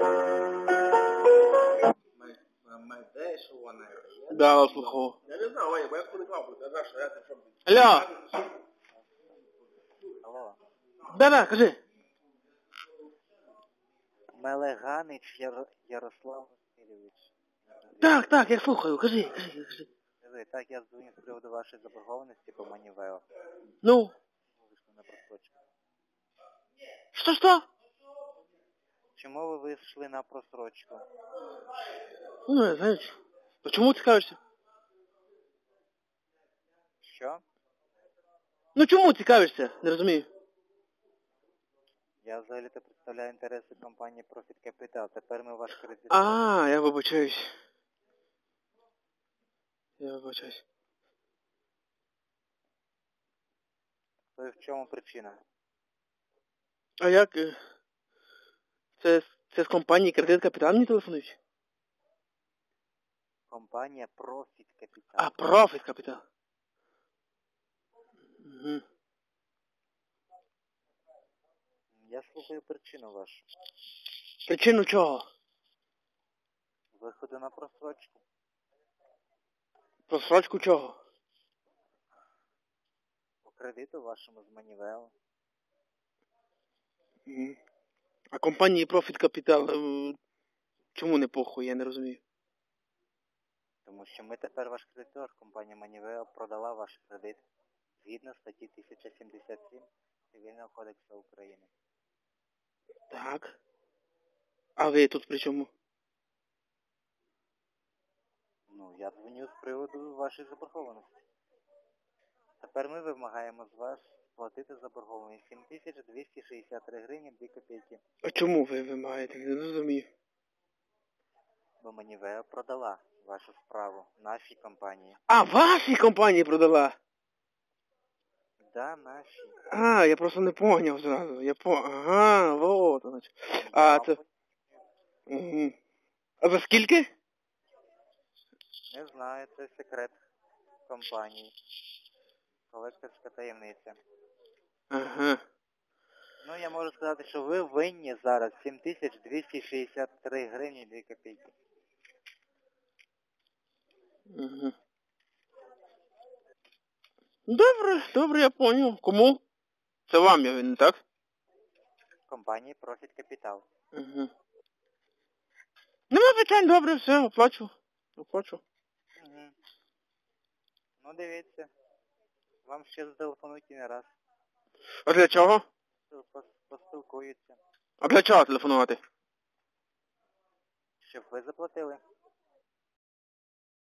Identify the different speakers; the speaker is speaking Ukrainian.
Speaker 1: Да, слухав.
Speaker 2: Я не знаю, Ваня, бо я коли я знаю, що я це що...
Speaker 1: Алло.
Speaker 3: Алло.
Speaker 1: Да-да, кажи.
Speaker 3: Мелеганич Ярослав Васильович.
Speaker 1: Так, я слухаю, кажи.
Speaker 3: Так, я дзвоню з приводу вашої заборгованості по Манівео.
Speaker 1: Ну?
Speaker 3: Вийшли на просрочку.
Speaker 1: Что?
Speaker 3: Чому ви вийшли на просрочку?
Speaker 1: Ну, я знаю. Почему цікавишся?
Speaker 3: Що?
Speaker 1: Ну чому цікавишся? Не розумію.
Speaker 3: Я взагалі-то представляю інтереси компанії Profit Capital. Тепер ми ваш кредит...
Speaker 1: Я вибачаюсь.
Speaker 3: То в чому причина?
Speaker 1: А як? Це з компанії Кредит Капітал мені телефонують?
Speaker 3: Компанія Profit Capital.
Speaker 1: А, Profit Capital. Угу.
Speaker 3: Я слухаю причину вашу.
Speaker 1: Причину чого?
Speaker 3: Виходу на просрочку.
Speaker 1: Просрочку чого?
Speaker 3: По кредиту вашому з Манівео.
Speaker 1: Угу. А компанії Profit Capital чому не похуй, я не розумію.
Speaker 3: Тому що ми тепер ваш кредитор. Компанія Манівео продала ваш кредит згідно статті 1077 Цивільного кодексу України.
Speaker 1: Так. А ви тут при чому?
Speaker 3: Ну, я дзвоню з приводу вашої заборгованості. Тепер ми вимагаємо з вас сплатити заборгованість 7263 гривні 2 копійки.
Speaker 1: А чому ви вимагаєте? Не розумію.
Speaker 3: Бо Манівео продала вашу справу нашій компанії.
Speaker 1: А, вашій компанії продала?
Speaker 3: Да, нашій.
Speaker 1: Я просто не поняв зразу. Ага, вот оно. Це... Угу. А за скільки?
Speaker 3: Не знаю, це секрет компанії. Колекторська таємниця.
Speaker 1: Ага.
Speaker 3: Ну, я можу сказати, що ви винні зараз 7263 гривні 2 копійки.
Speaker 1: Угу. Добре, я понял. Кому? Це вам я винен, так?
Speaker 3: Компанії Profit Capital.
Speaker 1: Угу. Нема питань, добре, все, оплачу.
Speaker 3: Угу. Ну, дивіться. Вам ще зателефонують і не раз.
Speaker 1: А для чого?
Speaker 3: Поспілкуються.
Speaker 1: А для чого телефонувати?
Speaker 3: Щоб ви заплатили.